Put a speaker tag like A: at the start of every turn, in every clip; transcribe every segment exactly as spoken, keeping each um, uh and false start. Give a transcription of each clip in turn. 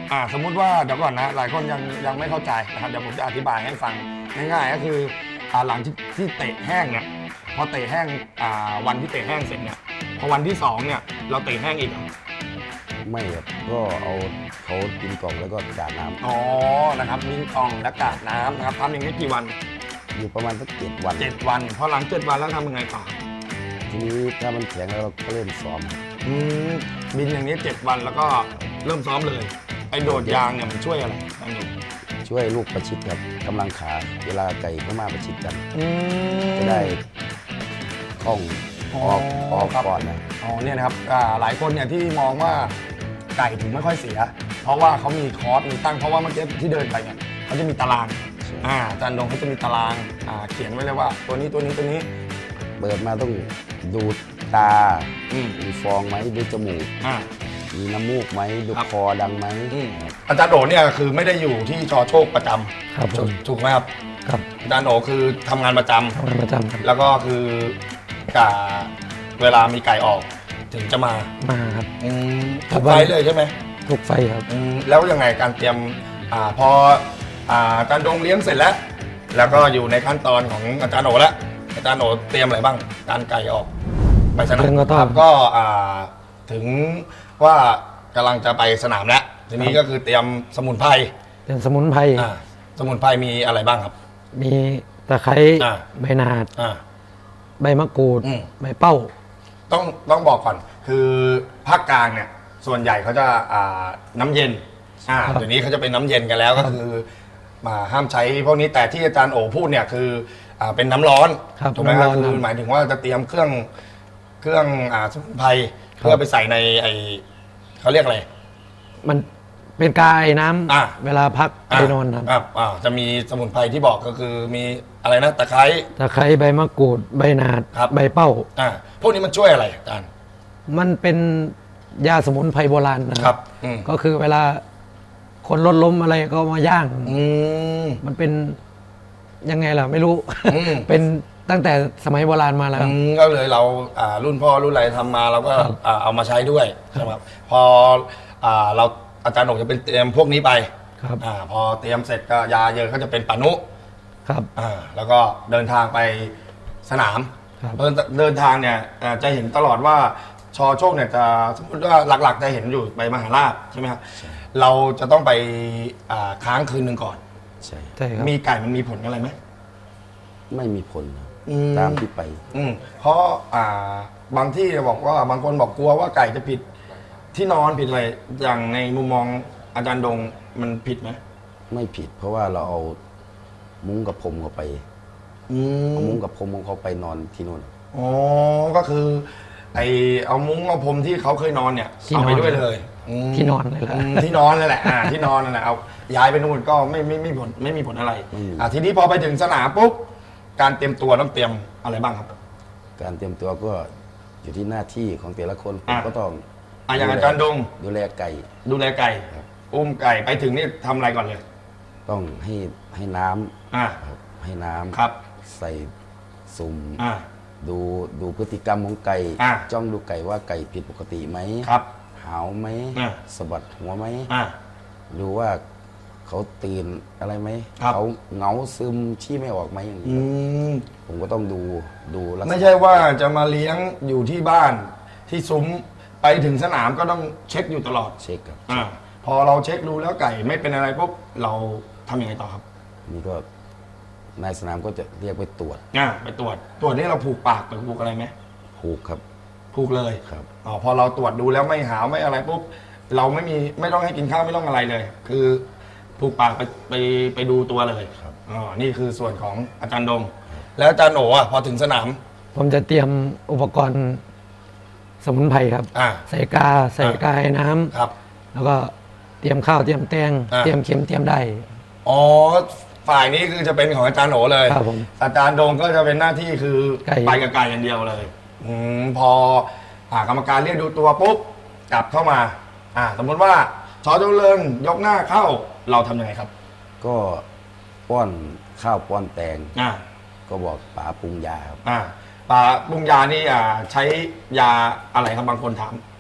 A: อ่าสมมุติว่าเดี๋ยวก่อนนะหลายคนยังยังไม่เข้าใจนะครับเดี๋ยวผมจะอธิบายให้ฟังง่ายๆก็คืออ่าหลังที่ที่เตะแห้งเนี่ยพอเตะแห้งอ่าวันที่เตะแห้งเสร็จเนี่ยพอวันที่สองเนี่ยเราเตะแห้งอีกเหรอ
B: ไม่ครับก็เอาเขากินกล่องแล้วก็กาดน้ำ
A: อ๋อนะครับมินกองและกาดน้ำนะครับทำอย่างนี้กี่วัน
B: อยู่ประมาณสักเจ็ดวัน
A: เจ็ดวันพอหลังเจ็ดวันแล้วทำยังไงต่อ
B: ทีนี้ถ้ามันแข็งแล้วเราก็เริ่มซ้อม
A: อืมบินอย่างนี้เจ็ดวันแล้วก็เริ่มซ้อมเลยไอ้โดดยางเนี่ยมันช่วยอะไรอันนี้
B: ช่วยลูกประชิดครับกำลังขาเวลาไก่เข้ามาประชิดกัน
A: อืม
B: จะได้คล่องออกออก
A: ครับ
B: ก่อนนะ
A: อ๋อเนี่ยนะครับอ่าหลายคนเนี่ยที่มองว่าไก่ถึงไม่ค่อยเสีย เพราะว่าเขามีคอร์สมีตั้งเพราะว่าเมื่อกี้ที่เดินไปเนี่ยเขาจะมีตารางอ่าอาจารย์ดงเขาจะมีตารางอ่าเขียนไว้เลยว่าตัวนี้ตัวนี้ตัวนี้
B: เปิดมาต้องดูตา
A: อืม
B: มีฟองไหมดูจมูก
A: อ่า
B: มีน้ำมูกไหมดู
A: ครับ
B: คอดังไหม
A: อืมอาจารย์โอเนี่ยคือไม่ได้อยู่ที่ชอโชคประจำ
C: ครับผม
A: ถูกไหมครับ
C: ครับ
A: อาจารย์โอคือทำงานประจำ
C: ทำงานประจำครับ
A: แล้วก็คือกาเวลามีไก่ออกถึงจะมา
C: มาครับ
A: อืม
C: ครั
A: ทุ
C: บ
A: กไฟล์เลยใช่ไหม
C: ทุกไฟครับ
A: อืมแล้วยังไงการเตรียมอ่าพออ่าอาจารย์ดงเลี้ยงเสร็จแล้ว แล้วก็อยู่ในขั้นตอนของอาจารย์โอแล้วอาจารย์โอเตรียมอะไรบ้างการไก่ออกไปสนาม
C: เรื่องก็ต้อง
A: ครับก็อ่าถึงว่ากำลังจะไปสนามแล้วทีนี้ก็คือเตรียมสมุนไพร
C: เป็นสมุนไพร
A: อ่าสมุนไพรมีอะไรบ้างครับ
C: มีตะไคร้
A: อ่า
C: ใบนาด
A: อ่า
C: ใบมะกรูด
A: อืม
C: ใบเป้า
A: ต้องต้องบอกก่อนคือภาคกลางเนี่ยส่วนใหญ่เขาจะอ่าน้ำเย็นอ่า
C: ครับ
A: เดี๋ยวนี้เขาจะเป็นน้ำเย็นกันแล้วก็คือมาห้ามใช้พวกนี้แต่ที่อาจารย์โอพูดเนี่ยคืออ่าเป็นน้ำร้อน
C: ครับ
A: ถูกไหมครับ
C: น้ำร้อน
A: คือ
C: ครับ
A: หมายถึงว่าจะเตรียมเครื่องเครื่องอ่าสมุนไพร
C: ครับ
A: เพื่อไปใส่ในไอเขาเรียกอะไร
C: มันเป็นกายน้ำ
A: อ่า
C: เวลาพักไปนอนครับ
A: อ่าอ่าจะมีสมุนไพรที่บอกก็คือมีอะไรนะตะไคร้
C: ตะไคร้ใบมะกรูดใบนาด
A: ครับ
C: ใบเป้า
A: อ่าพวกนี้มันช่วยอะไรอาจารย์
C: มันเป็นยาสมุนไพรโบราณนะค
A: ครั
C: รั
A: บบ อืม
C: ก็คือเวลาคนรถล้มอะไรก็มาย่าง
A: อืม
C: มันเป็นยังไงล่ะไม่รู้
A: อืม
C: เป็นตั้งแต่สมัยโบราณมาแล้ว
A: อืมก็เลยเราอ่ารุ่นพ่อรุ่นอะไรทำมาเราก็
C: ครับ
A: อ่าเอามาใช้ด้วยใช่ไหมครับพออ่าเราอาจารย์หนกจะเป็นเตรียมพวกนี้ไป
C: ครับ
A: อ่าพอเตรียมเสร็จก็ยาเยอะก็จะเป็นปานุ
C: ครับ
A: อ่าแล้วก็เดินทางไปสนาม
C: ครับ
A: เดินเดินทางเนี่ยอ่าจะเห็นตลอดว่าชอโชคเนี่ยจะสมมติว่าหลักๆจะเห็นอยู่ไปมหาราชใช่ไหมครับเราจะต้องไปอ่าค้างคืนหนึ่งก่อน
B: ใช่
C: ใช่ครับ
A: มีไก่มันมีผลอะไรไหม
B: ไม่มีผลครับ
A: อืม
B: ตามที่ไป
A: อืมเพราะอ่าบางที่บอกว่าบางคนบอกกลัวว่าไก่จะผิดที่นอนผิดอะไรอย่างในมุมมองอาจารย์ดงมันผิดไหม
B: ไม่ผิด เพราะว่าเราเอามุ้งกับพรมเขาไป
A: อื
B: เอา
A: ม
B: มุ้งกับพรมของเขาไปนอนที่นู่น
A: อ๋อก็คือไอเอามุ้งเอาพรมที่เขาเคยนอนเนี่ย
C: ที่
A: เอาไป
C: นอน
A: ด้วยเลยม
C: ที่นอนเลยแหละ
A: อืมที่นอนนั่นแหละอ่าที่นอนนั่นแหละเอาย้ายไปนู่นก็ไม่ไม่ไม่ผลไม่มีผลอะไรอ่าทีนี้พอไปถึงสนามปุ๊บการเตรียมตัวต้องเตรียมอะไรบ้างครับ
B: การเตรียมตัวก็อยู่ที่หน้าที่ของแต่ละคนผม
A: อ่ะ
B: ก็ต้อง
A: อ่าอย่างอาจารย์ดง
B: ดูแลไก่
A: ดูแลไก่
B: ครับ
A: อุ้มไก่ไปถึงนี่ทำอะไรก่อนเลย
B: ต้องให้ให้น้ำ
A: อ่า
B: ครับให้น้ำ
A: ครับ
B: ใส่สุ่ม
A: อ่า
B: ดูดูพฤติกรรมของไก่
A: อ่ะ
B: จ้องดูไก่ว่าไก่ผิดปกติไหม
A: ครับ
B: หาวไหม
A: อ่ะ
B: สะบัดหัวไหม
A: อ่า
B: ดูว่าเขาตื่นอะไรไหม
A: ครับ
B: เขาเหงาซึมชี้ไม่ออกไหมอย่าง
A: อื
B: นี้
A: ม
B: ผมก็ต้องดูดูลักษณะ
A: ไม่ใช่ว่าจะมาเลี้ยงอยู่ที่บ้านที่ซุ้มไปถึงสนามก็ต้องเช็คอยู่ตลอด
B: เช็คครับ
A: อาพอเราเช็คดูแล้วไก่ไม่เป็นอะไรปุ๊บเราทำยังไงต่อครับ
B: นี่ก็นายสนามก็จะเรียกไปตรวจ
A: อ่าไปตรวจตรวจนี่เราผูกปากหรือผูกอะไรไหม
B: ผูกครับ
A: ผูกเลย
B: ครับ
A: อ๋อพอเราตรวจดูแล้วไม่หาวไม่อะไรปุ๊บเราไม่มีไม่ต้องให้กินข้าวไม่ต้องอะไรเลย คือผูกปากไปไปไปดูตัวเลย
B: ครับ
A: อ๋อนี่คือส่วนของอาจารย์ดง แล้วอาจารย์โหนอ่ะพอถึงสนาม
C: ผมจะเตรียมอุปกรณ์สมุนไพรครับ
A: อ่า
C: ใส่กาใส่
A: อ่าก
C: ายน้ำ
A: ครับ
C: แล้วก็เตรียมข้าวเตรียมแตง
A: อ่า
C: เตรียมเข็มเตรียมได้
A: อ๋อฝ่ายนี้คือจะเป็นของอาจารย์โหนเลย
C: ครับผม
A: อาจารย์ดงก็จะเป็นหน้าที่คือ
C: ไก่
A: ไปกับไก่อย่างเดียวเลยอมพออ่ากรรมการเรียกดูตัวปุ๊บกลับเข้ามาอ่าสมมติว่าชอเจริญยกหน้าเข้าเราทำยังไงครับ
B: ก็ป้อนข้าวป้อนแตง
A: อ่า
B: ก็บอกป๋าปรุงยาครับ
A: อ่าปลาปรุงยานี่อ่าใช้ยาอะไรครับบางคนถาม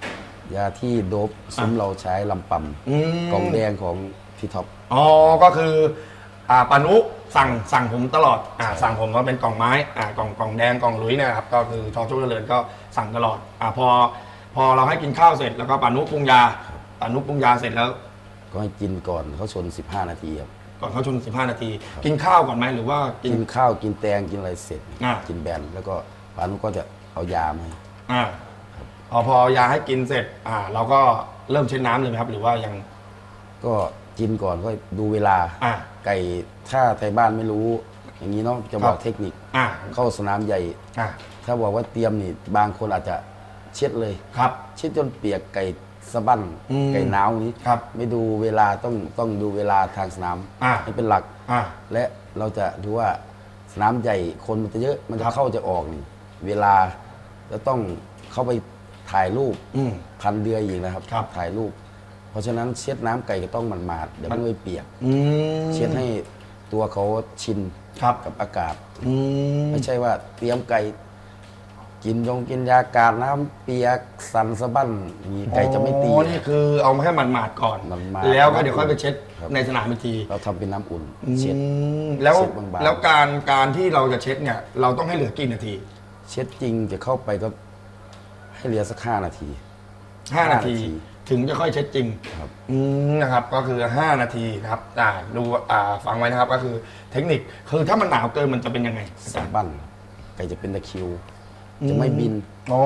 B: ยาที่โดบซุ้มเราใช้ลำปั๊ม
A: อืม
B: กล่องแดงของพี่ท็อป
A: อ๋อก็คืออ่าปานุสั่งสั่งผมตลอดอ่าสั่งผมว่าเป็นกล่องไม้อ่ากล่องกล่องแดงกล่องหลุยเนี่ยครับก็คือทอโชคเจริญก็สั่งตลอดอ่าพอพอเราให้กินข้าวเสร็จแล้วก็ปานุปรุงยาปานุปรุงยาเสร็จแล้ว
B: ก็ให้กินก่อนเขาชน สิบห้า นาทีครับ
A: ก่อนเข้าชนสิบห้านาที กินข้าวก่อนไหมหรือว่ากิน
B: กินข้าวกินแตงกินอะไรเสร็จ
A: อ่า
B: กินแบนแล้วก็ปานุก็จะเอายามาให้
A: อ่าพอพอยาให้กินเสร็จอ่าเราก็เริ่มเช็ดน้ำเลยไหมครับ หรือว่ายัง
B: ก็กินก่อนก็ดูเวลา
A: อ่า
B: ไก่ถ้าไทยบ้านไม่รู้ อย่างนี้เนาะจะบอ
A: ค
B: ก
A: รับ
B: เทคนิค
A: อ่า
B: เข้าสนามใหญ่
A: อ่า
B: ถ้าบอกว่าเตรียมนี่บางคนอาจจะเช็ดเลย
A: ครับ
B: เช็ดจนเปียกไก่สะบั้น
A: อืม
B: ไก่หนาวนี้
A: ครับ
B: ไม่ดูเวลาต้องต้องดูเวลาทางสนาม
A: อ่า
B: ให้เป็นหลัก
A: อ่า
B: และเราจะดูว่าสนามใหญ่คนมันจะเยอะมันจะ
A: ครับ
B: เข้าจะออกนี่เวลาจะต้องเข้าไปถ่ายรูป
A: อืม
B: พันเดือยอีกนะครับ
A: ครับ
B: ถ่ายรูป เพราะฉะนั้นเช็ดน้ำไก่ก็ต้องมันมาดๆเดี๋ยวมันไม่เปียก
A: อืม
B: เช็ดให้ตัวเขาชิน
A: ครับ
B: กับอากาศ
A: อืม
B: ไม่ใช่ว่าเตรียมไก่ กินยงกินยากาศน้ำเปียกสันสะบั้นมีไก่จะไม่ตี
A: อ๋อนี่คือเอามาแค่หมาดๆก่อน
B: หมาดๆ
A: แล้วก็เดี๋ยวค่อยไปเช็ด
B: ครับ
A: ในสนามอีกที
B: เราทำเป็นน้ำอุ่นเช็ด
A: อืมแล้ว
B: เช็ดบางๆ
A: แล้วการการที่เราจะเช็ดเนี่ย เราต้องให้เหลือกี่นาที
B: เช็ดจริงจะเข้าไปก็ให้เหลือสักห้านาที
A: ห้านาที
B: ห้านาที
A: ถึงจะค่อยเช็ดจริง
B: ครับ
A: อืมนะครับก็คือห้านาทีนะครับอ่าดูอ่าฟังไว้นะครับก็คือเทคนิคคือถ้ามันหนาวเกินมันจะเป็นยังไงอา
B: สะ
A: จารย์
B: บั้นไก่จะเป็นตะคริว จะไม่บิน
A: อ๋อก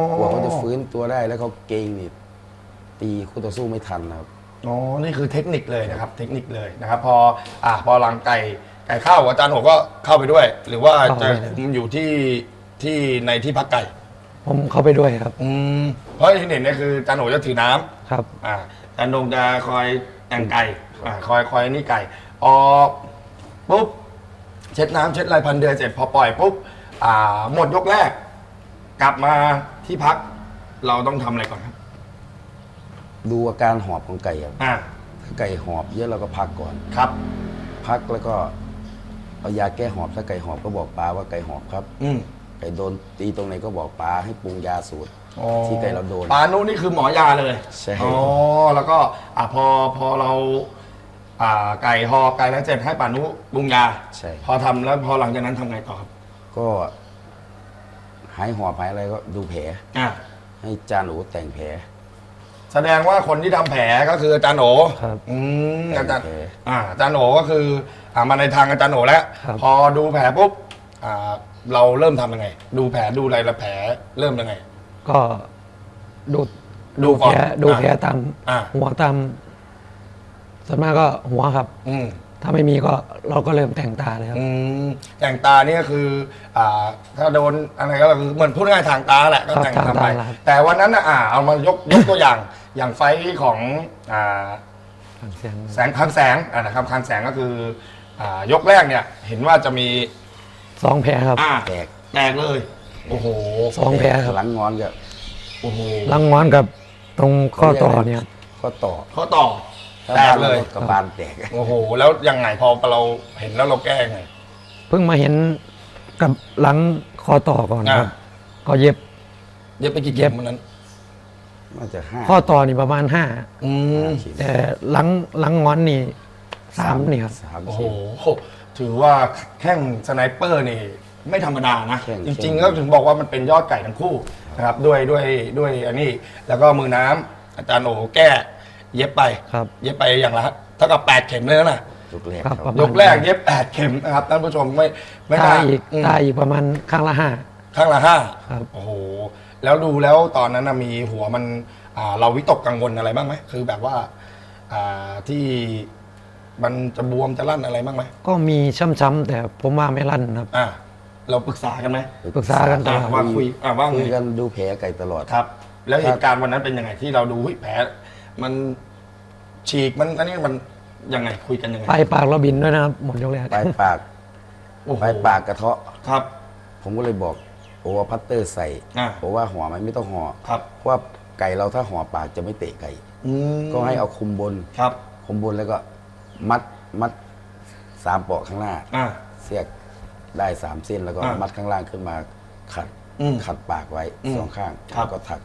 B: ลัวเขาจะฟื้นตัวได้แล้วเขาเกรงนี่ตีคู่ต่อสู้ไม่ทันนะครับ
A: อ๋อนี่คือเทคนิคเลยนะครับ เทคนิคเลยนะครับ พออ่าพอหลังไก่ไก่เข้าอาจารย์โหก็เข้าไปด้วย หรือว่าจะคุมอยู่ที่ที่ในที่พักไก่
C: ผมเข้าไปด้วยครับ
A: อืมเพราะที่เห็นเนี่ยคืออาจารย์โหจะถือน้ำ
C: ครับ
A: อ่าอาจารย์โหนงจะคอยแต่งไก่อ่าคอยคอยนี่ไก่ออก ปุ๊บเช็ดน้ำเช็ดลายพันเดือนเสร็จพอปล่อยปุ๊บอ่าหมดยกแรก กลับมาที่พัก เราต้องทำอะไรก่อนครับ
B: ดูอาการหอบของไก่ครับ
A: อ่า
B: ถ้าไก่หอบเยอะเราก็พักก่อน
A: ครับ
B: พักแล้วก็เอายาแก้หอบถ้าไก่หอบก็บอกปลาว่าไก่หอบครับ
A: อืม
B: ไก่โดนตีตรงไหนก็บอกปลาให้ปรุงยาสูตร
A: อ๋อ
B: ที่ไก่เราโดน
A: ปานุนี่คือหมอยาเลย
B: ใช่
A: อ๋อแล้วก็อ่าพอพอเรา อ่าไก่หอไก่แล้วเสร็จให้ปานุปรุงยา
B: ใช่
A: พอทำแล้วพอหลังจากนั้นทำไงต่อครับ
B: ก็หายหอบหายอะไรก็ดูแผล
A: อ่า
B: ให้จานหนูแต่งแผล
A: แสดงว่าคนที่ทำแผลก็คืออาจารย์โหน
C: ครับ
A: อืมอาจารย์
B: แผล
A: อ่าอาจารย์โหนก็คืออ่ามาในทางอาจารย์โหนแล้ว
C: ครับ
A: พอดูแผลปุ๊บอ่าเราเริ่มทำยังไง ดูแผลดูอะไรแล้วแผลเริ่มยังไง
C: ก็ดู
A: ดู
C: ดู
A: ก่อน
C: แผลดู
A: อ่ะ
C: แผลตาม
A: อ่ะ
C: หัวตามส่วนมากก็หัวครับ
A: อืม
C: ถ้าไม่มีก็เราก็เริ่มแต่งตาเลยครับ
A: อืมแต่งตานี่ก็คืออ่าถ้าโดนอะไรก็คือเหมือนพูดง่ายๆทางตาแหละก็
C: ครับ
A: แต่ง
C: ทาง
A: ทำไป
C: ตาครับ
A: แต่วันนั้นนะอ่าเอามายกยกตัวอย่าง อย่างไฟท์ของอ่า
C: ฟังเสียง
A: แสงคันแสงอ่านะครับคันแสงก็คืออ่ายกแรกเนี่ย เห็นว่าจะมี
C: สองแผลครับ
A: อ่า
B: แตก
A: แตกเลย โอ้โห
C: สองแผลครับ
B: หลังงอนก็
A: โอ้โห
C: ลังงอนกับตรงข้อต่อเนี่ยครับ
B: ข้อต่อ
A: ข้อต่อ
B: ถ้า
A: แต
B: บ้าก น
A: เลย
B: กระบาลแตก
A: โอ้โห แล้วยังไงพอเราเห็นแล้วเราแก้ยังไง
C: เพิ่งมาเห็นกับหลังคอต่อก่อนครับ
A: อ่ะ
C: ก็เย็บ
A: เย็บไปกี่เข็มวันนั้น
B: น่าจะห้า
C: ข้อต่อนี่ประมาณห้า
A: อืม
B: ขีด
C: แต่หลังหลังงอนนี่สามนี่ครับ
B: สาม
A: โอ้โห
B: ขีด
A: ถือว่าแข้งสไนเปอร์นี่ไม่ธรรมดานะ
B: แข้ง
A: จริง
B: แข้ง
A: ๆก็ถึงบอกว่ามันเป็นยอดไก่ทั้งคู่นะครับ ด้วยด้วยด้วยอันนี้ แล้วก็มือน้ำอาจารย์โอแก้ เย็บไป
C: ครับ
A: เย็บไปอย่างละเท่ากับแปดเข็มเลยนะ
B: ยกแรก
C: ครับ
B: ครับ
C: ประมาณ
A: ยกแรกเย็บแปดเข็มนะครับท่านผู้ชมไม่ไม่
C: ตา
A: น่า
C: อีก
A: ม
C: ตาอีกประมาณข้างละห้า
A: ข้างละห้า
C: ครับ
A: โอ้โห แล้วดูแล้วตอนนั้นนะมีหัวมันอ่าเราวิตกกังวลอะไรบ้างไหมคือแบบว่าอ่าที่มันจะบวมจะลั่นอะไรบ้างไหม
C: ก็มีช้ำๆแต่ผมว่าไม่ลั่นครับ
A: อ่าเราปรึกษากันไหม
C: ปรึกษากันตลอด
A: อ่ะว่าคุยอ่าว่าไง
B: คุยกันดูแผลไก่ตลอด
A: ครับ แล้วเหตุการณ์วันนั้นเป็นยังไงที่เราดูเฮ้ยแผลมันฉีกมันอันนี้มันยังไงคุยกันยังไง
C: ปลายปากเราบินด้วยนะครับ หมดยกแรก
B: ปลายปาก
A: โอ้โห
B: ปลายปากกระเทาะ
A: ครับ
B: ผมก็เลยบอกโอว่าพัตเตอร์ใส่
A: อ่า
B: บอกว่าห่อไหมไม่ต้องห่อ
A: ครับ
B: เพราะว่าไก่เราถ้าห่อปากจะไม่เตะไก่
A: อืม
B: ก็ให้เอาคุมบน
A: ครับ
B: คุมบนแล้วก็มัดมัดสามเปาะข้างหน้า
A: อ่า
B: เสียกได้สามเส้นแล้วก็
A: อ่ามั
B: มัดข้างล่างขึ้นมาขัด
A: อืม
B: ขัดปากไว้
A: อืม
B: สองข้าง
A: ครับ
B: แล้วก็ถัก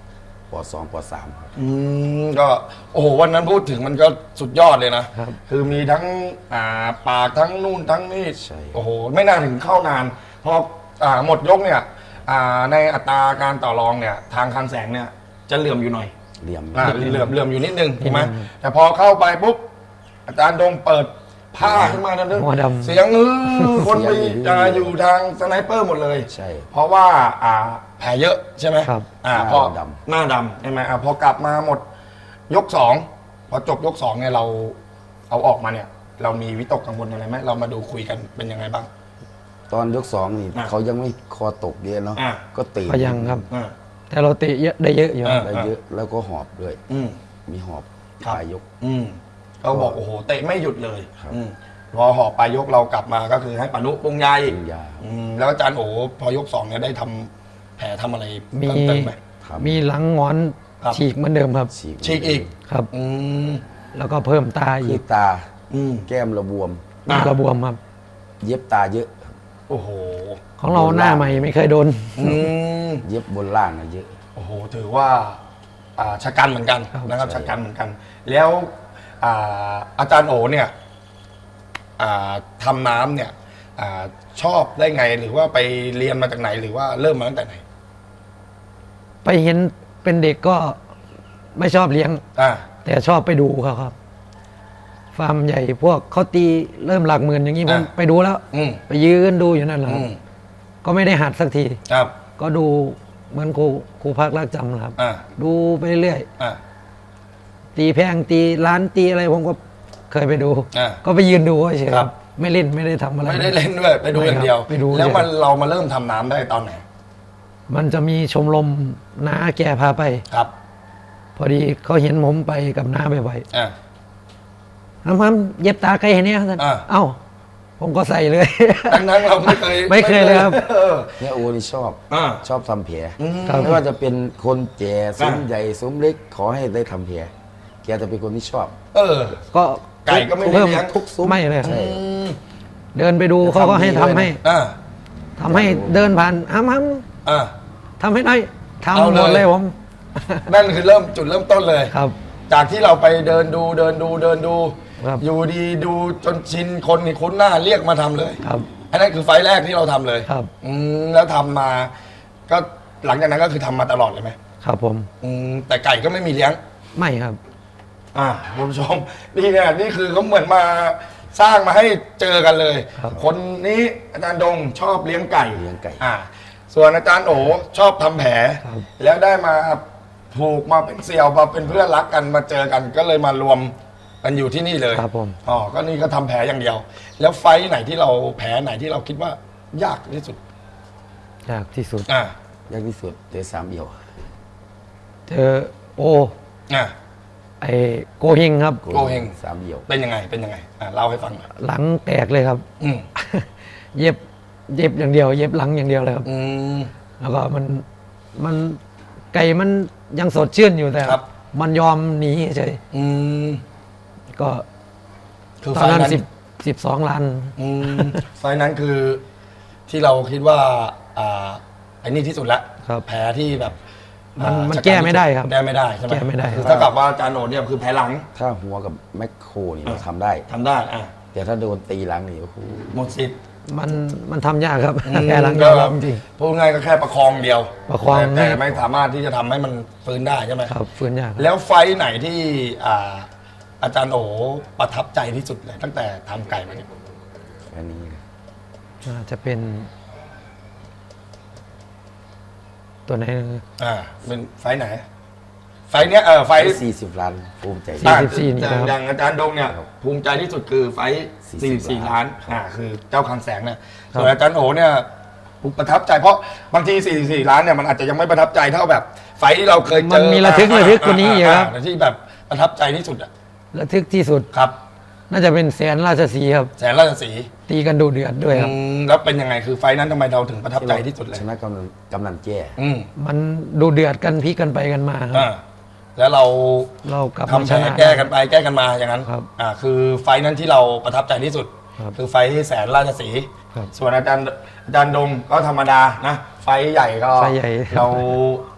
B: ปสองปสาม
A: อืมก็โอ้โหวันนั้นพูดถึงมันก็สุดยอดเลยนะครับ คือมีทั้งอ่าปากทั้งนู่นทั้งนี่
B: ใช่
A: โอ้โหไม่น่าถึงเข้านานพออ่าหมดยกเนี่ยอ่าในอัตราการต่อรองเนี่ยทางคันแสงเนี่ยจะเหลื่อมอยู่หน่อย
B: เหลี่ยม
A: อ่าเหลื่อมเหลื่อมอยู่นิดนึงถูกไหมแต่พอเข้าไปปุ๊บอาจารย์ดงเปิดผ้าขึ้นมาทันที
C: หัวดำ
A: เสียงเออคนไปอ่าอยู่ทางสไนเปอร์หมดเลย
B: ใช่
A: เพราะว่าอ่าแผลเยอะใช่ไหม
C: ครับ
A: อ่า
B: หน้า
A: พอ
B: ดำ
A: หน้าดำใช่ไหมอ่าพอกลับมาหมดยกสองพอจบยกสองเนี่ยเราเอาออกมาเนี่ย เรามีวิตกกังวลอะไรไหมเรามาดูคุยกันเป็นยังไงบ้าง
B: ตอนยกสองนี่
A: อ่ะ
B: เขายังไม่คอตกเยอะเนาะ
A: อ่ะ
B: ก็เตะ
C: ก็ยังครับ
A: อ่า
C: แต่เราเตะเยอะได้เยอะอยู่ครับ
A: อ่า
B: ได้เยอะแล้วก็หอบด้วย
A: อืม
B: มีหอบ
A: ครับ
B: ปลายยก
A: อืมเขาบอกโอ้โหเตะไม่หยุดเลย
B: ครับ
A: อืมพอหอบไปยกเรากลับมาก็คือให้ปานุปรุงยาอีก
B: ปรุงยา
A: อืมแล้วอาจารย์โอพอยกสองเนี่ยได้ทำแผลทำอะไร
C: มี
A: เพิ่มเติมไหม
B: ครับ
C: มีหลังงอน
A: ครับ
C: ฉีกเหมือนเดิมครับ
B: ฉีก
A: ฉีกอีก
C: ครับ
A: อืม
C: แล้วก็เพิ่มตา
B: คื
C: อี
B: อก ตา
A: อืม
B: แก้มระบวม
A: อ่ะ
C: กระบวมครับ
B: เย็บตาเยอะ
A: โอ้โห
C: ของเราหน้าใหม่ไม่เคยโดน
A: อืม
B: เย็บบนล่างอะเยอะ
A: โอ้โห ถือว่าอ่าชะกันเหมือนกัน
C: ครับ
A: นะครับ
B: ใช่
A: ชะกันเหมือนกัน แล้วอ่าอาจารย์โอเนี่ยอ่าทำน้ำเนี่ยอาชอบได้ไงหรือว่าไปเรียนมาจากไหนหรือว่าเริ่มมาตั้งแต่ไหน
C: ไปเห็นเป็นเด็กก็ไม่ชอบเลี้ยง
A: อ่า
C: แต่ชอบไปดูเขาครับ ฟาร์มใหญ่พวกเขาตีเริ่มหลักหมื่นอย่างนี้ผม
A: อ่ะ
C: ไปดูแล้ว
A: อืม
C: ไปยืนดูอยู่นั่นแหละค
A: อื
C: รับ
A: ม
C: ก็ไม่ได้หัดสักที
A: ครับ
C: ก็ดูเหมือนครูครูพักรักจำนะครับ
A: อ่า
C: ดูไปเรื่อย
A: อ่า
C: ตีแพงตีร้านตีอะไรผมก็เคยไปดู
A: อ่ะ
C: ก็ไปยืนดูเฉยๆ
A: ครับ
C: ไม่เล่นไม่ได้ทำอะไร
A: ไม่ได้เล่นด้วยไปดูอย่างเดียว
C: ไปดู
A: แล้วมัน
C: เฉย
A: เรามาเริ่มทำน้ำได้ตอนไหน
C: มันจะมีชมรมน้าแกพาไป
A: ครับ
C: พอดีเขาเห็นผมไปกับน้าบ่อย
A: อ่า
C: ๆน้ำมันเย็บตาใครเห็นเนี่ยท่าน
A: อ่ะ
C: เอ้า ผมก็ใส่เลย
A: ดังนั้นเราไม่เคย
C: ไม่เคยเลยครับ
A: ออ
B: เนี่ยโอนี่ชอบ
A: อ่า
B: ชอบทำแผล
A: อืม
C: ครับ
B: ไม่ว่าจะเป็นคนแก่ซุ้ม
A: อ่ะ
B: ใหญ่ซุ้มเล็กขอให้ได้ทำแผลแกจะเป็นคนที่ชอบ
A: เออ
C: ก็
A: ไก่ก็ไม่ได้
C: เพิ่ม
A: เลี้ยง
B: ทุกซุ้ม
C: ไม่เลยครับ
B: ใช่
A: อืม
C: เดินไปดู
B: จะ
C: เขาก็ให้
B: ทำดี
C: ทำให้
B: ด้วยนะ
A: อ่า
C: ทำให้เดินผ่านห้ามห้าม
A: อ่า
C: ทำให้ได้
A: เอา
C: ทำ
A: เลย
C: หมดเลยผม
A: นั่นคือเริ่มจุดเริ่มต้นเลย
C: ครับ
A: จากที่เราไปเดินดูเดินดูเดินดู
C: ครับ
A: อยู่ดีดูจนชินคนนี่คุ้นหน้าเรียกมาทำเลย
C: ครับ
A: อันนั้นคือไฟล์แรกที่เราทำเลย
C: ครับ
A: อืมแล้วทำมา ก็หลังจากนั้นก็คือทำมาตลอดเลยไหม
C: ครับผม
A: อืมแต่ไก่ก็ไม่มีเลี้ยง
C: ไม่ครับ
A: อ่าคุณผู้ชมนี่เนี่ยนี่คือเขาเหมือนมาสร้างมาให้เจอกันเลย
C: ครับ
A: คนนี้อาจารย์ดงชอบเลี้ยงไก่
B: เลี้ยงไก่
A: อ่า ส่วนอาจารย์โอชอบทำแผล
C: ครับ
A: แล้วได้มาผูกมาเป็นเสี่ยวมาเป็นเพื่อนรักกันมาเจอกันก็เลยมารวมกันอยู่ที่นี่เลย
C: ครับผม
A: อ๋อก็นี่ก็ทำแผลอย่างเดียว แล้วไฟท์ไหนที่เราแผลไหนที่เราคิดว่ายากที่สุด
C: ยากที่สุด
A: อ่าย
B: ากที่สุดเตะสามเอี่ยว
C: เจอโอ
A: อ่า
C: ไอโกเฮงครับ
A: โกเฮง
B: สามเอี่ยว
A: เป็นยังไงเป็นยังไงอ่าเล่าให้ฟังหน่อย
C: หลังแตกเลยครับ
A: อืม
C: เย็บเย็บอย่างเดียว เย็บหลังอย่างเดียวเลยครับ
A: อืม
C: แล้วก็มันมันไก่มันยังสดชื่นอยู่แต่
A: ครับ
C: มันยอมหนีเฉย
A: อืม
C: ก็
A: คือ
C: ต
A: ไฟ
C: อน
A: ท์
C: นั้น
A: นั้น
C: สิบสิบสองล้าน
A: อืมไฟท์นั้นคือที่เราคิดว่าอ่าไอ้นี่ที่สุดละ
C: ครับ
A: แผลที่แบบ
C: มัน
A: อ่า
C: มัน
A: ชะ
C: แก้ไม่ได้ครับ
A: แก้ไม่ได้ใช่ไหม
C: แก้ไม่ได้
A: คือเท่ากับว่าอาจารย์โอเนี่ยคือแผลหลัง
B: ถ้าหัวกับแมคโครนี่เราทำได้
A: ทำได้อ่ะ
B: แต่ถ้าโดนตีหลังนี่โอ้โห
A: หมดสิทธิ์
C: มันมันทำยากครับ
A: อืม
C: แก้หลังย
A: ก็
C: อมรับจริง
A: พูดง่ายก็แค่ประคองเดียว
C: ประคอง
A: แต่
C: ให้
A: แต่ไม่สามารถที่จะทำให้มันฟื้นได้ใช่ไหม
C: ครับฟื้นยากครับ
A: แล้วไฟท์ไหนที่อ่าอาจารย์โอประทับใจที่สุดเลย ตั้งแต่ทำไก่มาเนี่ย
B: อันนี้
C: น่าจะเป็น ตัวไหนนะ
A: อ่าเป็นไฟท์ไหน ไฟท์เนี้ยเออไฟท์
B: สี่สิบล้านภูมิใจ
C: สี่สิบสี่นี่
A: อ่า
C: ครับ
A: อย่างอาจารย์ดงเนี่ยภูมิใจที่สุดคือไฟท์
B: สี่
A: สี่
B: สิ
A: สิ
B: บบ
A: สี่
B: ล้า
A: ล้าน นอ่าคือเจ้าคลังแสงเนี่ย
C: ครับ
A: ส่วนอาจารย์โอเนี่ยประทับใจเพราะบางทีสี่สิบสี่ล้านเนี่ยมันอาจจะยังไม่ประทับใจเท่าแบบ ไฟท์ที่เราเคยเจ
C: มัน
A: อ
C: มีระทึกระทึกกว่านี้อีกครับ
A: าที่แบบประทับใจที่สุดอะ
C: ระทึกที่สุด
A: ครับ
C: น่าจะเป็นแสนราชสีห์ครับ
A: แสนราชสีห์
C: ตีกันดูเดือดด้วยครับ
A: อืมแล้วเป็นยังไงคือไฟท์นั้นทำไมเราถึงประทับใจที่สุดเลย
B: ชนะกำนันกำนันแจ้
A: อืม
C: มันดูเดือดกันพลิกกันไปกันมาครับ
A: อ่าแล้วเรา
C: เรากลับ
A: ทำ
C: มา
A: แผ
C: ช
A: ล
C: นะ
A: แก้กันไปแก้กันมาอย่างนั้น
C: ครับ
A: อ่าคือไฟท์นั้นที่เราประทับใจที่สุด
C: ครับ
A: คือไฟท์ที่แสนราชสีห์
C: ครับ
A: ส่วนอาจารย์อาจารย์ดงก็ธรรมดานะไฟท์ใหญ่ก็
C: ไฟใหญ่
A: เรา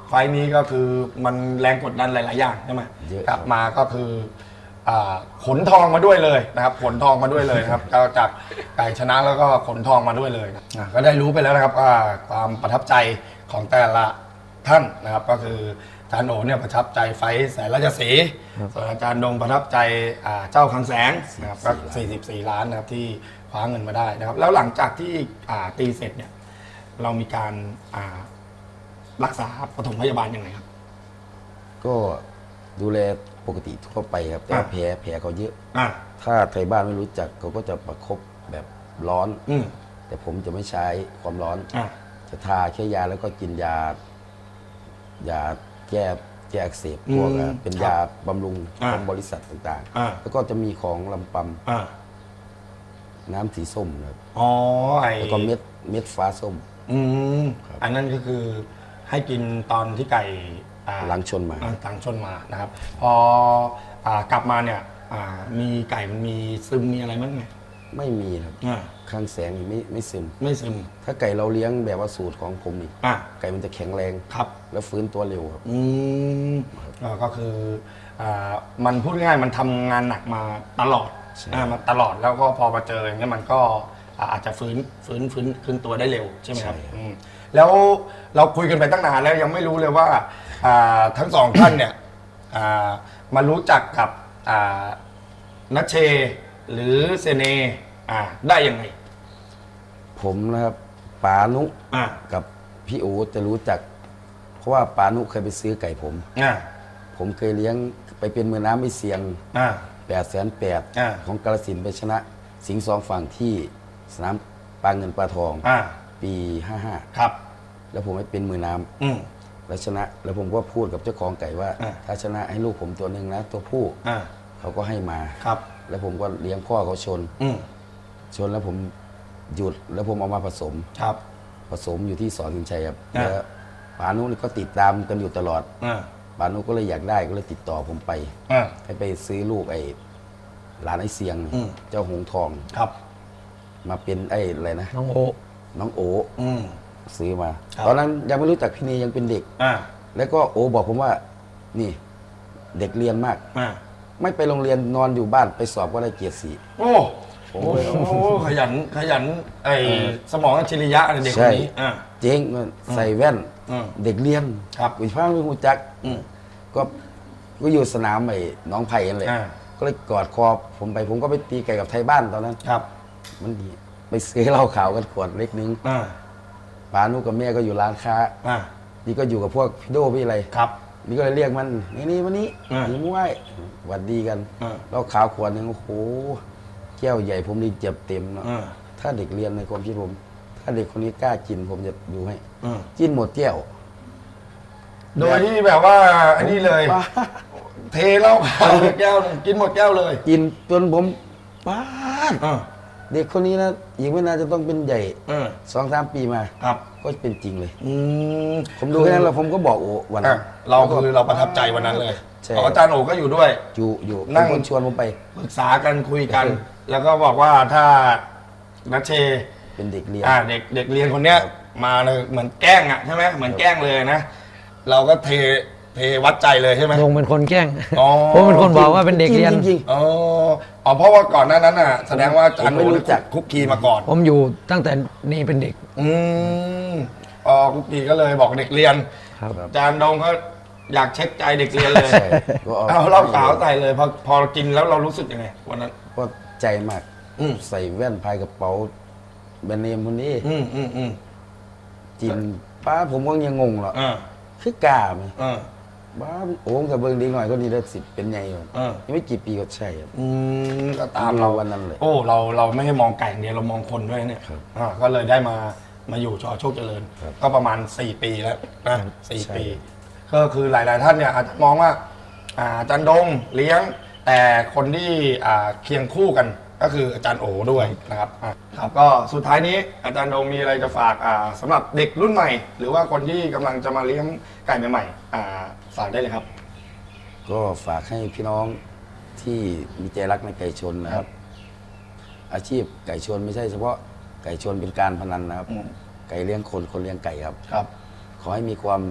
A: ไฟล์นี้ก็คือมันแรงกดดันหลาย ๆ อย่างใช่ไหม
B: เยอะ
A: กลับ
B: ครับ
A: มาก็คืออ่าขนทองมาด้วยเลยนะครับขนทองมาด้วยเลยนะครับ ก็จากไก่ชนะแล้วก็ขนทองมาด้วยเลยนะอ่ะก็ได้รู้ไปแล้วนะครับว่าความประทับใจของแต่ละท่านนะครับ ก็คืออาจารย์โอเนี่ยประทับใจไฟท์แสนราชสีห์ส่วนอาจารย์ดงประทับใจอ่าเจ้าคลังแสงนะครับก็สี่สิบสี่ล้านนะครับที่คว้าเงินมาได้นะครับ แล้วหลังจากที่อ่าตีเสร็จเนี่ยเรามีการอ่ารักษาปฐมพยาบาลยังไงครับ
B: ก็ดูแลปกติทั่วไปครับ แต่ว่า
A: อ่ะ
B: แผลแผลเขาเยอะ
A: อ่า
B: ถ้าไทยบ้านไม่รู้จักเขาก็จะประคบแบบร้อน
A: อืม
B: แต่ผมจะไม่ใช้ความร้อน
A: อ่า
B: จะทาแค่ยาแล้วก็กินยา ยาแก้แก้อักเสบพวกอ่ะเป็นยาบำรุงของบริษัทต่าง
A: อ่า
B: ๆ แล้วก็จะมีของลำป
A: อ่า
B: ำน้ำสีส้มครับ
A: อ๋อไอ
B: แล้วก็เม็ดเม็ดฟ้าส้ม
A: อืม
B: ครับ
A: อันนั้นก็คือให้กินตอนที่ไก่อ่า
B: หลังชนมา
A: อ่หลังชนมานะครับ พออ่ากลับมาเนี่ยอ่ามีไก่มันมีซึมมีอะไรบ้างไหม
B: ไม่มีครับ
A: อ่า
B: ข้างแสงนี่ไม่ไม่ซึม
A: ไม่ซึม
B: ถ้าไก่เราเลี้ยงแบบว่าสูตรของผมนี่
A: อ่า
B: ไก่มันจะแข็งแรง
A: ครับ
B: แล้วฟื้นตัวเร็วครับ
A: อืมอ่าก็คืออ่ามันพูดง่ายๆมันทำงานหนักมาตลอด
B: ใช่
A: อ่ามาตลอดแล้วก็พอมาเจออย่างเงี้ยมันก็อ่าอาจจะฟื้นฟื้นฟื้นคืนตัวได้เร็วใช่ไหมครับอืมแล้วเราคุยกันไปตั้งนานแล้วยังไม่รู้เลยว่าอ่าทั้งสองท่านเนี่ยอ่ามารู้จักกับอ่านัชเชหรือเซเนอ่าได้ยังไง
B: ผมนะครับป๋านุ
A: อ่า
B: กับพี่อูจะรู้จัก เพราะว่าป๋านุเคยไปซื้อไก่ผม
A: อ่า
B: ผมเคยเลี้ยงไปเป็นมือน้ำไม่เสียง
A: อ่า
B: แปดแสนแปด
A: อ่า
B: ของกาฬสินธุ์ไปชนะ สิงห์สองฝั่งที่สนามปลาเงินปลาทอง
A: อ่า
B: ปีห้าห้า
A: ครับ
B: แล้วผมไปเป็นมือน้ำ
A: อืม
B: แล้วชนะ แล้วผมก็พูดกับเจ้าของไก่ว่า
A: อ่า
B: ถ้าชนะให้ลูกผมตัวหนึ่งนะ ตัวผู้
A: อ่า
B: เขาก็ให้มา
A: ครับ
B: แล้วผมก็เลี้ยงพ่อเขาชน
A: อืม
B: ชนแล้วผมหยุดแล้วผมเอามาผสม
A: ครับ
B: ผสมอยู่ที่สอนสินชัยครับ
A: อ่า
B: แล้วปานุนี่ก็ติดตามกันอยู่ตลอด
A: อ่า
B: ปานุก็เลยอยากได้ก็เลยติดต่อผมไป
A: อ่า
B: ให้ไปซื้อลูกไอ้หลานไอ้เสียง
A: อืม
B: เจ้าหงส์ทอง
A: ครับ
B: มาเป็นไอ้อะไรนะ
C: น้องโอ
B: น้องโอ
A: อืม
B: ซื้อมา
A: ครับ
B: ตอนนั้นยังไม่รู้จักพี่นียังเป็นเด็ก
A: อ่า
B: แล้วก็โอบอกผมว่านี่เด็กเรียนมาก
A: อ่า
B: ไม่ไปโรงเรียนนอนอยู่บ้านไปสอบก็ได้เกียรติสี่
A: โอ้
B: ผม
A: โอ้
B: เลย
A: โหขยันขยันไอสมองอัจฉริยะอะไรเด็กคนนี้อ่า
B: เจ๊งใส่แว่น
A: อืม
B: เด็กเรียน
A: ครับ
B: วิพากษ์วิหูจัก
A: อืม
B: ก็ก็อยู่สนามไอ้หน้องไผ่กันเลย
A: อ่า
B: ก็เลยกอดคอผมไปผมก็ไปตีไก่กับไทยบ้านตอนนั้น
A: ครับ
B: มันดีไปซื้อเหล้าขาวกันขวดเล็กนึง
A: อ่า
B: ป้านุกับแม่ก็อยู่ร้านค้า
A: อ่า
B: นี่ก็อยู่กับพวกพี่โดพี่อะไร
A: ครับ
B: นี่ก็เลยเรียกมันนี่นี่วันนี้
A: อ่า
B: หนีมวยหวัดดีกัน
A: อ่า
B: เหล้าขาวขวดหนึงโอ้โหแก้วใหญ่ผมนี่เจ็บเต็มเนาะ
A: อ่า
B: ถ้าเด็กเรียนในความคิดผม ถ้าเด็กคนนี้กล้ากินผมจะดูให้
A: อ่า
B: กินหมดแก้ว
A: โดยที่แบบว่าอันนี้เลย
B: ป้า
A: เทเหล้าขาวแก้วหนึ่งกินหมดแก้วเลย
B: กินจนผมป้าด
A: อ่า
B: เด็กคนนี้นะอีกไม่นานจะต้องเป็นใหญ่
A: อ่า
B: สองสามปีมา
A: ครับ
B: ก็เป็นจริงเลย
A: อืม
B: ผมดูแค่นั้นแล้วผมก็บอกโอ้วัน
A: อ่ะ
B: นั้น
A: เราคือเราประทับใจวันนั้นเลย
B: ใช่
A: อ๋ออาจารย์โอก็อยู่ด้วย
B: อยู่อยู่
A: นั่
B: เป็น
A: ง
B: คนชวนผมไป
A: ปรึกษากันคุยกัน
B: เออ
A: แล้วก็บอกว่าถ้านัชเช
B: เป็นเด็กเรียน
A: อ่าเด็กเด็กเรียนคนเนี้ย
B: ครับ
A: มาเลยเหมือนแกล้งอ่ะใช่ไหมเหมือนแกล้งเลยนะ เราก็เทเทวัดใจเลยใช่ไหม
C: ลงเป็นคนแกล้ง
A: อ๋อ
C: ผมเป็นคนบอกว่าเป็นเด็กเรียน
B: จริง
A: อ๋ออ๋อเพราะว่าก่อนหน้านั้นอ่ะ แสดงว่าอาจารย์
B: ผมไม่
A: โอ
B: รู้จัก
A: คุกคีมาก่อน
C: ผมอยู่ตั้งแต่นี่เป็นเด็ก
A: อืมอ๋อคุกคีก็เลยบอกเด็กเรียน
C: ครับ
A: อาจารย์ดงก็อยากเช็คใจเด็กเรียนเลย
B: ใช่ก็
A: เอาเหล้าขาวใส่เลยพอพอกินแล้วเรารู้สึกยังไงวันนั้น
B: ก็ใจมาก
A: อืม
B: ใส่แว่นพายกระเป๋าแบรนด์เนมคนนี้
A: อืมอืมอืม
B: จินป้าผมก็ยังงงหรอก
A: อ่า
B: คือกล้าไหม
A: อ่า
B: บ้าโอ้งกับเบิ้งดีหน่อยก็นี่ได้สิบเป็นไงก่อน
A: อ่า
B: ยังไม่กี่ปีก็ใช่ครับ
A: อืมก็ตามเรา
B: วันนั้นเลย
A: โอ้เราเราไม่ให้มองไก่อย่างเดียวเรามองคนด้วยเนี่ย
B: ครับ
A: อ่าก็เลยได้มามาอยู่ชอโชคเจริญ
B: ครับ
A: ก็ประมาณสี่ปีแล้วนะสี่
B: ใช่
A: ปี ก็คือหลาย ๆ ท่านเนี่ยอาจจะมองว่าอ่าอาจารย์ดงเลี้ยง แต่คนที่อ่าเคียงคู่กันก็คืออาจารย์โอด้วยนะครับอ่ะครับก็สุดท้ายนี้อาจารย์ดงมีอะไรจะฝากอ่าสำหรับเด็กรุ่นใหม่ หรือว่าคนที่กำลังจะมาเลี้ยงไก่ใหม่ๆอ่าฝากได้เลยครับ
B: ก็ฝากให้พี่น้องที่มีใจรักในไก่ชนนะครับ อาชีพไก่ชนไม่ใช่เฉพาะไก่ชนเป็นการพนันนะครับ
A: อืม
B: ไก่เลี้ยงคนคนเลี้ยงไก่ครับ
A: ครับ
B: ขอให้มีความ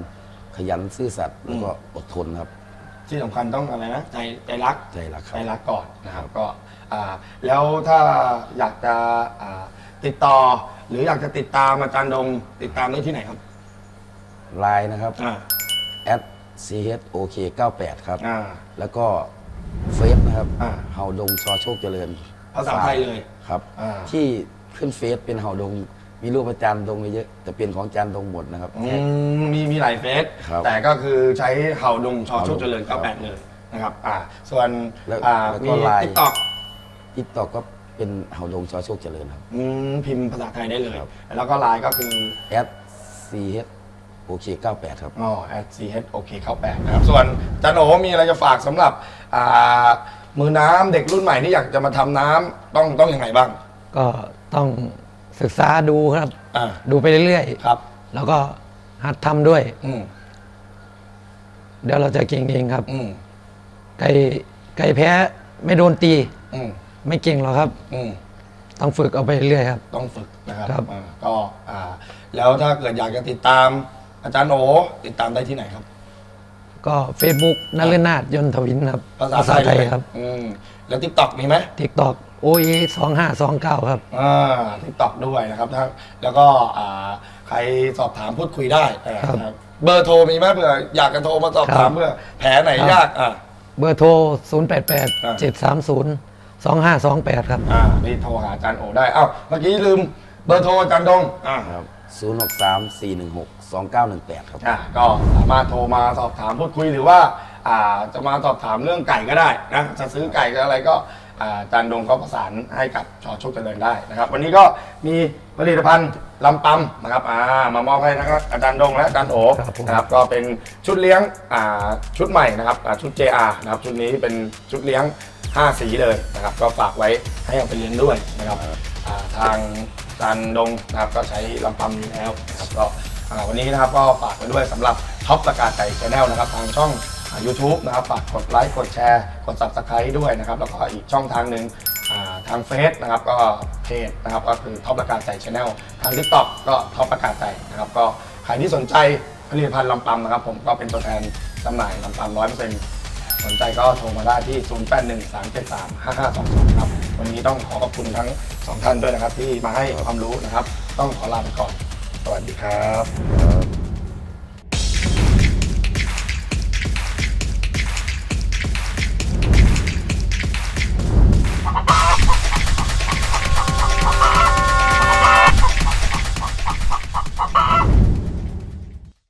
B: ขยันซื่อสัตย์แล้วก็อดทนครับ
A: ที่สำคัญต้องอะไรนะใจใจรัก
B: ใจรักครับ
A: ใจรักก่อนนะครับก็อ่าแล้วถ้าอยากจะอ่าติดต่อ หรืออยากจะติดตามอาจารย์ดงติดตามได้ที่ไหนครับ
B: ไลน์นะครับ
A: อ่า
B: at ซี เอช โอ เค เก้าแปด ครับ
A: อ่า
B: แล้วก็เฟซนะครับ
A: อ่า
B: เฮาดงชอโชคเจริญ
A: ภาษาไทยเลย
B: ครับ
A: อ่า
B: ที่ขึ้นเฟซเป็นเฮาดง มีรูปอาจารย์ดงเยอะแต่เป็นของอาจารย์ดงหมดนะครับ
A: อืมมีมีหลายเฟส
B: ครับ
A: แต่ก็คือใช้เห่าดงชอโชค
B: เห่าดง
A: เจริญ
B: ครับ
A: เก้าแปด เลยนะครับอ่าส่วน
B: แล้ว
A: อ่า
B: แล้วก็
A: มี
B: ไลน์
A: ติ๊กต็อก
B: ทิกตอกก็เป็นเฮาดงชอโชคเจริญครับ
A: พิมพ์ภาษาไทยได้เลย
B: ครับ
A: แล้วก็ไลน์ก็คือ
B: at ซี เอช โอ เค เก้าแปด ครับ
A: อ๋อ at ch โอเคเข้าแปดนะครับ ส่วนจันโอมีอะไรจะฝากสำหรับอ่ามือน้ำเด็กรุ่นใหม่ที่อยากจะมาทำน้ำต้องต้องยังไงบ้าง
C: ก็ต้องศึกษาดูครับ
A: อ่า
C: ดูไปเรื่อย
A: ครับ
C: ๆ แล้วก็หัดทำด้วย
A: อืม
C: เดี๋ยวเราจะเก่งเองครับ
A: อืม
C: ไก่ไก่แพ้ไม่โดนตี
A: อืม
C: ไม่เก่งหรอกครับ
A: อืม
C: ต้องฝึกเอาไปเรื่อยๆครับ
A: ต้องฝึกนะครับ
C: ครับ
A: อ่าก็อ่าแล้วถ้าเกิดอยากจะติดตามอาจารย์โอติดตามได้ที่ไหนครับ
C: ก็ Facebook นฤนาถยนต์ทวินครับ
A: ภาษาไทยเลย
C: ครับ
A: อืมแล้วทิกตอกมีไหม
C: TikTok โอเอสองห้าสองเก้าครับ
A: อ่าทิกตอกด้วยนะครับถ้าแล้วก็อ่าใครสอบถามพูดคุยได้อ่า
C: ครับ
A: ครับเบอร์โทรมีไหมเผื่ออยากจะโทรมาสอบถาม
C: ครับ
A: เพื่อแผลไหน
C: ครับ
A: ยากอ่า
C: เบอร์โทร ศูนย์ แปด แปด
A: อ่า
C: เจ็ด สาม ศูนย์ สอง ห้า สอง แปด ครับ
A: อ่านี่โทรหาอาจารย์โอได้อ้าวเมื่อกี้ลืมเบอร์โทรอาจารย์ดงอ่า
B: ครับ ศูนย์ หก สาม สี่ หนึ่ง หก สอง เก้า หนึ่ง แปด ครับ
A: อ่าก็สามารถโทรมาสอบถามพูดคุยหรือว่าอ่าจะมาสอบถามเรื่องไก่ก็ได้นะจะซื้อไก่ก็อะไรก็อ่าอาจารย์ดงก็ประสานให้กับชอโชคเจริญได้นะครับ วันนี้ก็มีผลิตภัณฑ์ลำปั๊มนะครับอ่ามามอบให้นะครับอาจารย์ดงและอาจารย์โอ
C: ครับผม
A: นะครับก็เป็นชุดเลี้ยงอ่าชุดใหม่นะครับอ่าชุด เจ อาร์ นะครับชุดนี้เป็นชุดเลี้ยงห้าสีเลยนะครับก็ฝากไว้ให้เอาไปเลี้ยงด้วยนะครับอ่าทางอาจารย์ดงนะครับก็ใช้ลำปั๊มอยู่แล้วนะครับก็ อ่าวันนี้นะครับก็ฝากไว้ด้วยสำหรับท็อปประกาศใจชาแนลนะครับทางช่องยูทูบนะครับฝากกดไลค์กดแชร์กด ซับสไครบ์ ด้วยนะครับแล้วก็อีกช่องทางหนึ่งอ่าทางเฟซนะครับก็เพจนะครับก็คือท็อปประกาศใจชาแนลทาง ทิกต็อก ก็ท็อปประกาศใจนะครับก็ใครที่สนใจผลิตภัณฑ์ลำปั๊มนะครับผมก็เป็นตัวแทนจำหน่ายลำปั๊มร้อยเปอร์เซ็นต์สนใจก็โทรมาได้ที่ ศูนย์ แปด หนึ่ง สาม เจ็ด สาม ห้า ห้า สอง สอง ครับวันนี้ต้องขอขอบคุณทั้งสองท่านด้วยนะครับที่มาให้ความรู้นะครับต้องขอลาไปก่อนสวัสดีครับ